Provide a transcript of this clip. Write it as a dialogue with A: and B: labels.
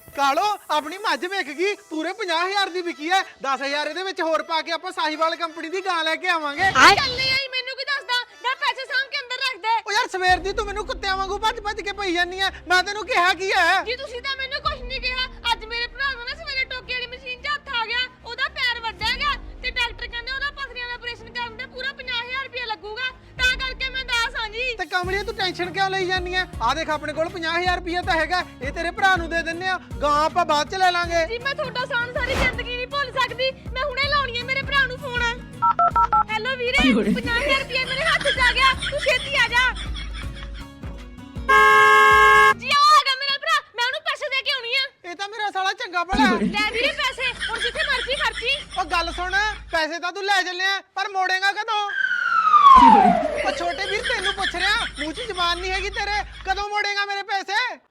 A: ਕਾਲੋ ਆਪਣੀ ਮੱਝ ਵਿਕ ਗਈ ਪੂਰੇ 50000 ਦੀ ਵਿਕੀ ਹੈ 10000 ਇਹਦੇ ਵਿੱਚ ਹੋਰ ਪਾ ਕੇ ਆਪਾਂ ਸਾਹੀਵਾਲ ਕੰਪਨੀ ਦੀ ਗਾਂ ਲੈ ਕੇ ਆਵਾਂਗੇ
B: ਚੱਲ ਨਹੀਂ ਆਈ ਮੈਨੂੰ ਕੀ ਦੱਸਦਾ ਨਾ ਪੈਸੇ ਸਾਂਭ ਕੇ ਅੰਦਰ ਰੱਖ ਦੇ
A: ਓ ਯਾਰ ਸਵੇਰ ਦੀ ਤੂੰ ਮੈਨੂੰ ਕੁੱਤਿਆਂ ਵਾਂਗੂ ਭੱਜ ਕੇ ਪਈ ਜਾਂਦੀ ਆ ਮੈਂ ਤੈਨੂੰ ਕਿਹਾ ਕੀ ਹੈ
B: ਜੀ ਤੁਸੀਂ ਤਾਂ ਮੈਨੂੰ ਕੁਝ ਨਹੀਂ ਕਿਹਾ ਅੱਜ ਮੇਰੇ ਭਰਾ ਨੂੰ ਨਾ ਸਵੇਰੇ ਟੋਕੇ ਵਾਲੀ ਮਸ਼ੀਨ 'ਚ ਹੱਥ ਆ ਗਿਆ ਉਹਦਾ ਪੈਰ ਵੱਢਿਆ ਗਿਆ ਤੇ ਡਾਕਟਰ ਕਹਿੰਦੇ ਉਹਦਾ ਪਥਰੀਆਂ ਦਾ ਆਪਰੇਸ਼ਨ ਕਰਨ ਦੇ ਪੂਰਾ 50000 ਰੁਪਏ ਲੱਗੂਗਾ ਤਾਂ ਕਰਕੇ ਮੈਂ ਦੱਸ ਹਾਂ ਜੀ
A: ਤੇ ਕਮਲੀਏ ਤੂੰ ਟੈਨਸ਼ਨ ਕਿਉਂ ਲਈ ਜਾਂਦੀ ਆ ਆ ਦੇਖ ਆਪਣੇ ਕੋਲ 50000 ਰੁਪਏ ਤਾਂ ਹੈਗਾ ਇਹ ਤੇਰੇ ਭਰਾ ਨੂੰ ਦੇ ਦਿੰਨੇ ਆ ਗਾਂ ਆਪਾਂ ਬਾਅਦ ਚ ਲੈ ਲਾਂਗੇ
B: ਜੀ ਮੈਂ ਤੁਹਾਡਾ ਸਾਨ ਸਾਰੀ ਜ਼ਿੰਦਗੀ ਨਹੀਂ ਭੁੱਲ ਸਕਦੀ ਮੈਂ ਹੁਣੇ ਲਾਉਣੀ ਹੈ ਮੇਰੇ ਭਰਾ ਨੂੰ ਫੋਨ ਹੈਲੋ ਵੀਰੇ 50000 ਰੁਪਏ ਮੇਰੇ ਹੱਥ 'ਚ ਆ ਗਿਆ ਤੂੰ ਛੇਤੀ ਆ ਜਾ ਜੀ ਆ ਗਿਆ ਮੇਰਾ ਭਰਾ ਮੈਂ ਉਹਨੂੰ ਪੈਸੇ ਦੇ ਕੇ ਆਉਣੀ ਆ
A: ਇਹ ਤਾਂ ਮੇਰਾ ਸਾਲਾ ਚੰਗਾ ਭਲਾ
B: ਲੈ ਵੀਰੇ ਪੈਸੇ ਹੁਣ ਜਿੱਥੇ ਮਰਜ਼ੀ ਖਰਚੀ
A: ਉਹ ਗੱਲ ਸੁਣ ਪੈਸੇ ਤਾਂ ਤੂੰ ਲੈ ਚੱਲਿਆ ਪਰ ਮੋੜੇਗਾ ਕਦੋਂ ਉਹ ਛੋਟੇ ਵੀਰ ਤੈਨੂੰ ਪੁੱਛ ਰਿਹਾ ਮੂੰਹ 'ਚ ਜ਼ਬਾਨ ਨਹੀਂ ਹੈਗੀ ਤੇਰੇ ਕਦੋਂ ਮੋੜੇਗਾ ਮੇਰੇ ਪੈਸੇ